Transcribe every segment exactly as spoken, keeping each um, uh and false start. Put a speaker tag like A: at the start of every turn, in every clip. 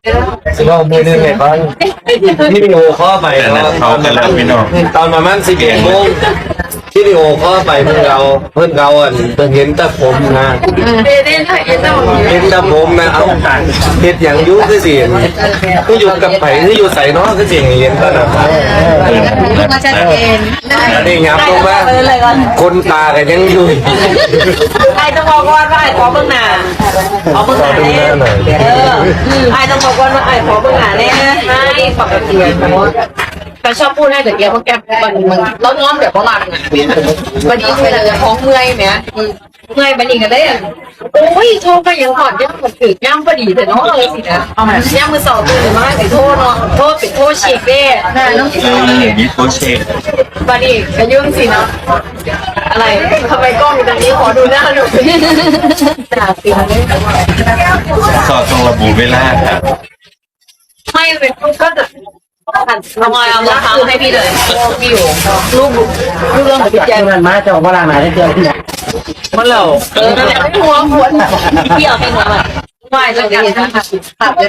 A: เรามือหนึ่งไงบ้างที่วิดีโอข้อไปตอนตอนประมาณตอนประมาณสิบเอ็ดโมงที่วิดีโอข้อไปเพื่อนเราเพื่อนเราอ่ะเห็นแต่ผมนะเห็นแต่ผมนะเอาเห็ดอย่างยุ่งคือสิที่อยู่กับไผ่ที่อยู่ใส่น้องคือสิ่งเห็นก็นะ
B: มาชัดเจน
A: นี่งับลงมาคนตากันยังอยู่
C: ไอ้ต้องบอกว่าไอ้ขอเบื้องหน้าขอเบื้องหน้าเนี่ยเออไอ้ต้องบอกว่าไอ้ขอเบื้องหน้าเนี่ยให้ปกติแต่ชอบพูดให้แต่เดียวเพราะแกมันมันแล้วน้อมแบบฝรั่งอ่ะวันนี้เวลาจะท้องเมื่อยไหมเมื่อยบันนี้กันได้อ่ะโอ้ยโทษไปยังก่อนยังมันถือย่ำพอดีแต่น้องเลยสินะย่ำมือสองตื่นมาแต่โทษเนาะโทษเป็นโทษฉีกเด้น่าน้อง
D: อย่างนี้โคเชต
C: บันนี้กระยุ่งสิเนาะอะไรทำไมกล้องอยู่ตรงนี้ขอดูหน้าหน่อยจ่าสิ
D: สอดตรงระบุเวลาครับ
C: ไม่เป็นก็จะทำไมเอามาทำให้พี่เลยพี่อยู่รูปรูปเรื่องของพี่แจ๊ค
A: มันมาจะออกมาหลังไหนได้เจอที่ไหน
C: มันเหล่าเออแต่ไม่หัวหัวพี่เอาให้หัวมันไหวแล้วกันนะคะตัดเลย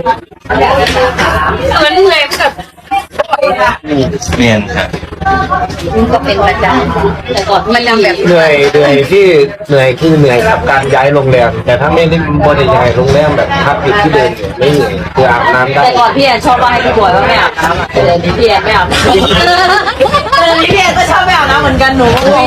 C: มันเหนื่อยแบบ
D: เรียนครับ
C: ก็เป็นประจำแต่ก่อนมันยังแบบ
A: เหนื่อยเหนื่อยที่เหนื่อยคือเหนื่อยกับการย้ายโรงแรมแต่ถ้าไม่ได้บริย้ายโรงแรมแบบพักอยู่ที่เดิมไม่เหนื่อยคืออาบน้ำได้
C: แต่ก่อนพี่แอนชอบว่าให้พี่บอยว่าไม่อาบน้ำแต่เดี๋ยวนี้พี่แอนไม่อาบน้ำพี่แอนก็ชอบไม่อาบน้ำเหมือนกันหนู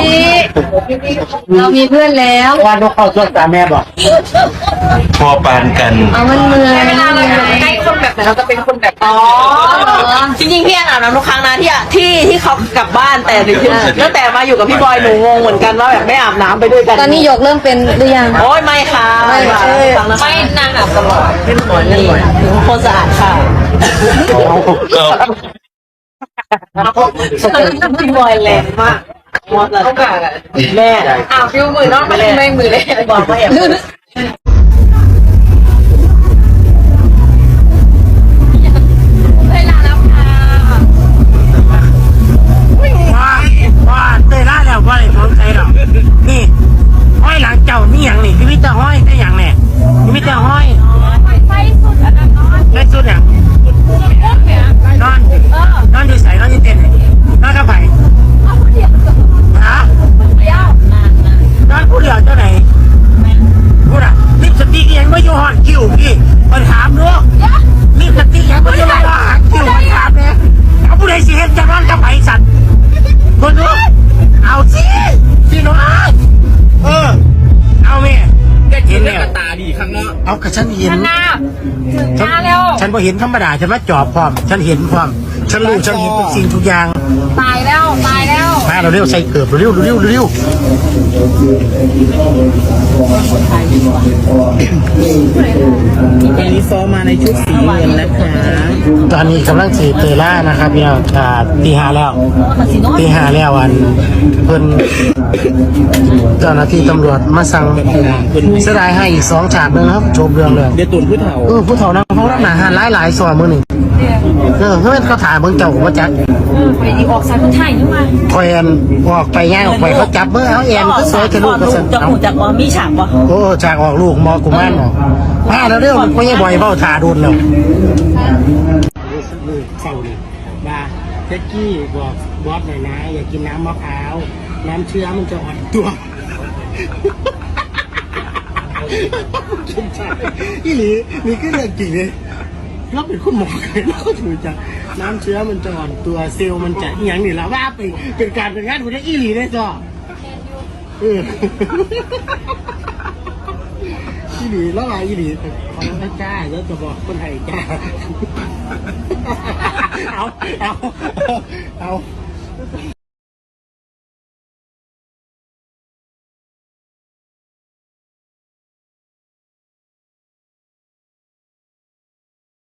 B: เรามีเพื่อนแล้ว
A: ว่านกเข้าช่วงตาแม่บอก
D: พอปานกัน
B: เอามันเมื่อย
C: เวลาเราใกล้คนแบบไหนเราจะเป็นคนแบบอ๋อจริงๆพี่แอนอาบน้ำทุกครั้งนะที่ที่ที่เขากลับบ้านแต่ตั้งแต่มาอยู่กับพี่บอยหนูงงเหมือนกันว่าแบบไม่อาบน้ำไปด้วยกัน
B: ตอนนี้หยกเริ่มเป็นหรือยัง
C: โอ้ยไม่ค่ะไม่ไม่นางอาบตลอดเป็นหมอนนี่คนสะอาดค่ะพี่บอยแรงมากมอสเขากะแม่อ้าวฟิวมือน้องไม่ได้ไม่มือเลยบอกมาแอบ
A: นี่ห้อยหลังเจ้านี่อย่างนี่พี่มิตรห้อยได้อย่างเนี่ยพี่มิตรห้อยไฟสุดอันนั้นนอนไฟสุดเนี่ยนอนนอนอยู่ใส่นอนอยู่เต็นนอนกับไผ่ฮะนอนผู้เดียวเจ้าไหนพูดอ่ะลิปสติกยังไม่อยู่ห่อนคิวพี่มาถามด้วยลิปสติกยังไม่อยู่ห่อนคิวมาถามเนี่ยเอาผู้ใดสิเห็นจะนอนกับไผ่สัตว์คนดูเอาสิพี่น้องเออเอาแม่ได้เห็นแล้วตาดีข้างนอกเอากระฉันเห็น
C: หน้า
A: หน้าแล้วฉันพอเห็นธรรมดาฉันมาจอบพร้อมฉันเห็นพร้อมฉันรู้ฉันเห็นทุกสิ่งทุกอย่าง
C: ตายแล้วตายแล้ว
A: มาเราเร็วใส่เกือบเร็วเร็วเร็ว
E: วันนี้ซ้อมมาในชุดสีเงินนะคะ
A: ตอนนี้กำลังสีเตล่านะครับพี่น้องตีห้าแล้วตีห้าแล้วอันเพิ่นเจ้าหน้าที่ตำรวจมาสั่งเสียดายให้อีกสองฉากเลยครับจบเรื่องเลย
E: เดี๋ยวตุนผู้เฒ่า
A: เออผู้เฒ่านะเขารับหนาหาหลายหลายซอยมือหนึ่งเออเฮ้ยเขาถ่ายเบิ่งเจ้าว่าจัก
C: ไปดีออกสายคนไทยนี่มา
A: คอยแอนออกไปง่ายออกไปเขาจับเมื่อเขาแอนก็สวยจะลูกก็สน
C: จะหูจากว่ามีฉากปะ
A: โอ้ฉากออกลูกมอกุมารออกมาแล้วเรื่องมันก็ยังบ่อยเบ้าถ่าโดนแล้วเศร้าเลยบ้าเจ๊กี้บอกบอสหน่อยนะอย่ากินน้ำมะพร้าวน้ำเชื้อมันจะอ่อนตัวอีหลีนี่ก็เรื่องจริงเลยเราเป็นคุณหมอเลยเราก็ถือจะน้ำเชื้อมันจะอ่อนตัวเซลล์มันจะอย่างนี้แล้วว่าไปเป็นการเป็นงานคุณได้อีหลีได้จ้ะเอออีหลีแล้วอะไรอีหลีขอน้ำจ้าแล้วจะบอกคนไทยจ้าเอาเอาเอา